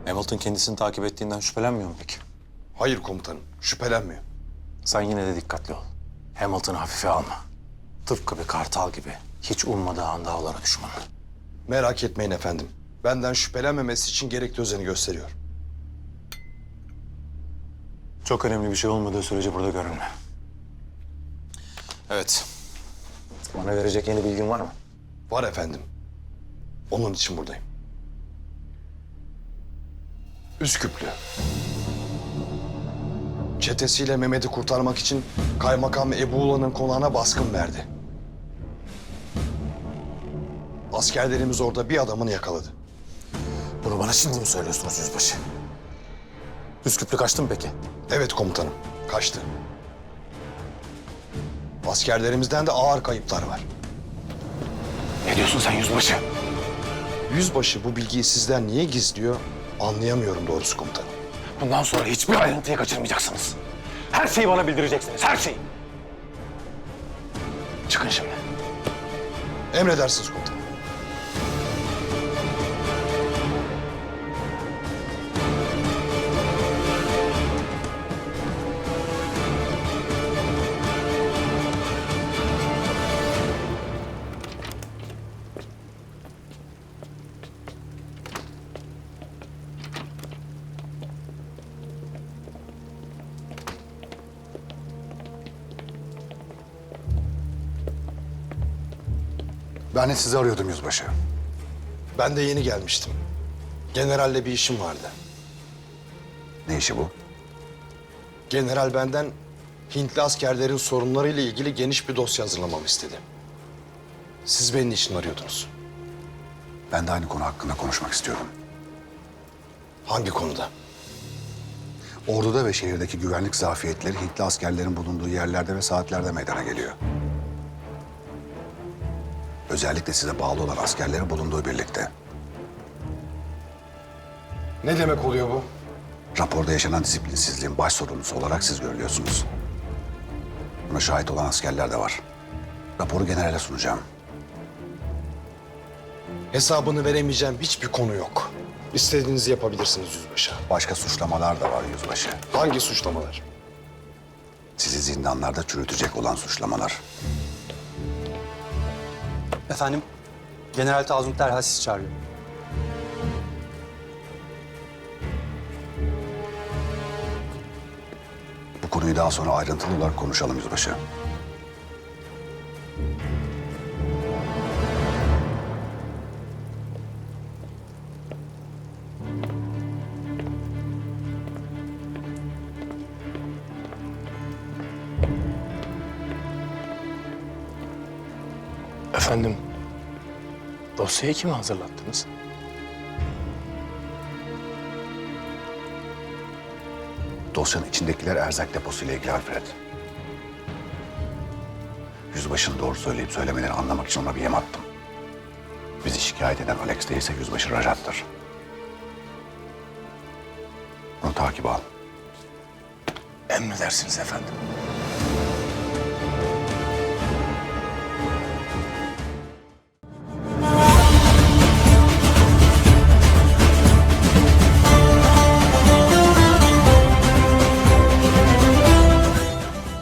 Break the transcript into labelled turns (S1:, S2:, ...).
S1: Hamilton kendisini takip ettiğinden şüphelenmiyor mu peki?
S2: Hayır komutanım, şüphelenmiyor.
S1: Sen yine de dikkatli ol. Hamilton'ı hafife alma. Tıpkı bir kartal gibi. Hiç ummadığı anda avlara düşman.
S2: Merak etmeyin efendim. Benden şüphelenmemesi için gerekli özeni gösteriyor.
S1: Çok önemli bir şey olmadığı sürece burada görünme. Evet. Bana verecek yeni bilgin var mı?
S2: Var efendim. Onun için buradayım. Üsküplü. Çetesiyle Mehmet'i kurtarmak için Kaymakam Ebuğla'nın konağına baskın verdi. Askerlerimiz orada bir adamını yakaladı.
S1: Bunu bana şimdi mi söylüyorsunuz yüzbaşı? Üsküplü kaçtı mı peki?
S2: Evet komutanım, kaçtı. Askerlerimizden de ağır kayıplar var.
S1: Ne diyorsun sen yüzbaşı?
S2: Yüzbaşı bu bilgiyi sizden niye gizliyor anlayamıyorum doğrusu komutanım.
S1: Bundan sonra hiçbir ayrıntıyı kaçırmayacaksınız. Her şeyi bana bildireceksiniz, her şeyi. Çıkın şimdi.
S2: Emredersiniz komutanım.
S3: Ben de sizi arıyordum yüzbaşı.
S2: Ben de yeni gelmiştim. Generalle bir işim vardı.
S3: Ne işi bu?
S2: General benden Hintli askerlerin sorunlarıyla ilgili geniş bir dosya hazırlamamı istedi. Siz beni niçin arıyordunuz?
S3: Ben de aynı konu hakkında konuşmak istiyorum.
S2: Hangi konuda?
S3: Orduda ve şehirdeki güvenlik zafiyetleri Hintli askerlerin bulunduğu yerlerde ve saatlerde meydana geliyor. Özellikle size bağlı olan askerlerin bulunduğu birlikte.
S2: Ne demek oluyor bu?
S3: Raporda yaşanan disiplinsizliğin baş sorumlusu olarak siz görülüyorsunuz. Buna şahit olan askerler de var. Raporu generale sunacağım.
S2: Hesabını veremeyeceğim hiçbir konu yok. İstediğinizi yapabilirsiniz yüzbaşı.
S3: Başka suçlamalar da var yüzbaşı.
S2: Hangi suçlamalar?
S3: Sizi zindanlarda çürütecek olan suçlamalar.
S4: Efendim, General Tazım derhal sizi çağırıyor.
S3: Bu konuyu daha sonra ayrıntılı olarak konuşalım yüzbaşı.
S1: Efendim, dosyayı kime hazırlattınız?
S3: Dosyanın içindekiler erzak deposuyla ilgili Alfred. Yüzbaşının doğru söyleyip söylemelerini anlamak için ona bir yem attım. Bizi şikayet eden Alex değilse yüzbaşı Rajat'tır. Onu takip al.
S1: Emredersiniz efendim.